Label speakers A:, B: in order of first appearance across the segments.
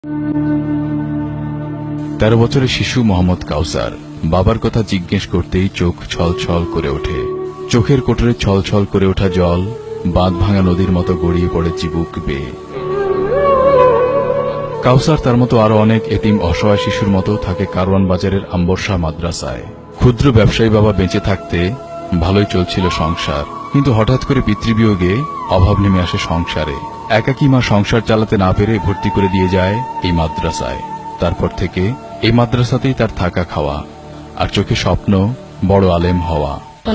A: 13 বছরের শিশু মোহাম্মদ কাউসার বাবার কথা জিজ্ঞেস করতেই চোখ ছলছল করে ওঠে। চোখের কোটরে ছলছল করে ওঠা জল বাঁধ ভাঙা নদীর মতো গড়িয়ে পড়ে চিবুক বেয়ে। কাউসার তার মতো আরো অনেক এতিম অসহায় শিশুর মতো থাকে কারওয়ান বাজারের আম্বরশাহ মাদ্রাসায়। ক্ষুদ্র ব্যবসায়ী বাবা বেঁচে থাকতে ভালোই চলছিল সংসার, কিন্তু হঠাৎ করে পিতৃবিয়োগে অভাব নেমে আসে সংসারে। একাকী মা সংসার চালাতে না পেরে ভর্তি করে দিয়ে যায় এই মাদ্রাসায়। তারপর থেকে এই মাদ্রাসাতেই তার থাকা খাওয়া, আর চোখে স্বপ্ন বড় আলেম হওয়া।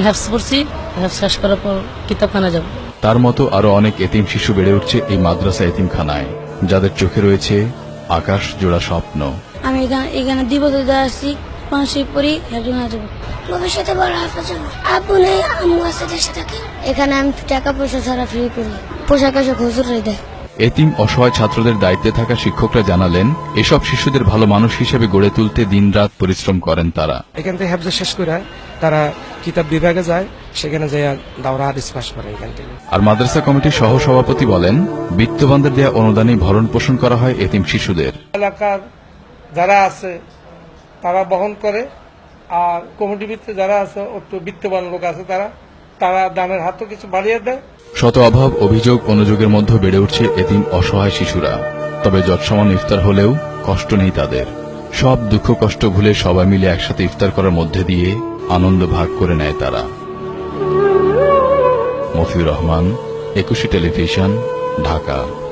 A: তার মতো আরো অনেক এতিম শিশু বেড়ে উঠছে এই মাদ্রাসা এতিমখানায়, যাদের চোখে রয়েছে আকাশ জোড়া স্বপ্ন।
B: আমি এখানে 2 বছর ধরে আসছি, মানসিক পড়ি, ভবিষ্যতে বড় হাফেজ হবো। আব্বু নেই, আম্মু আছে দেশে থাকে। এখানে আমি টাকা পয়সা ছাড়া ফ্রি পড়ি, পোশাক আশাক হুজুরই দেয়।
A: এতিম অসহায় ছাত্রদের দায়িত্বে থাকা শিক্ষকরা জানালেন, এসব শিশুদের ভালো মানুষ হিসেবে গড়ে তুলতে দিনরাত পরিশ্রম করেন তারা।
C: এখান থেকে হেফজ শেষ করে তারা কিতাব বিভাগে যায়, সেখানে যায় দাওরা হাদিস পাস করে এখান থেকে।
A: আর মাদ্রাসা কমিটির সহ সভাপতি বলেন, বিত্তবানদের দেয়া অনুদানে ভরণ পোষণ করা হয় এতিম শিশুদের।
D: এলাকার যারা আছে তারা বহন করে, আর কমিটির ভিতরে যারা আছে একটু বিত্তবান লোক আছে তারা দানের হাতও কিছু বাড়িয়ে দেয়।
A: শত অভাব অভিযোগ অনুযোগের মধ্যে বেড়ে উঠছে এতিম অসহায় শিশুরা। তবে যৎসমান ইফতার হলেও কষ্ট নেই তাদের। সব দুঃখ কষ্ট ভুলে সবাই মিলে একসাথে ইফতার করার মধ্যে দিয়ে আনন্দ ভাগ করে নেয় তারা। মফিউর রহমান, 21 টেলিভিশন, ঢাকা।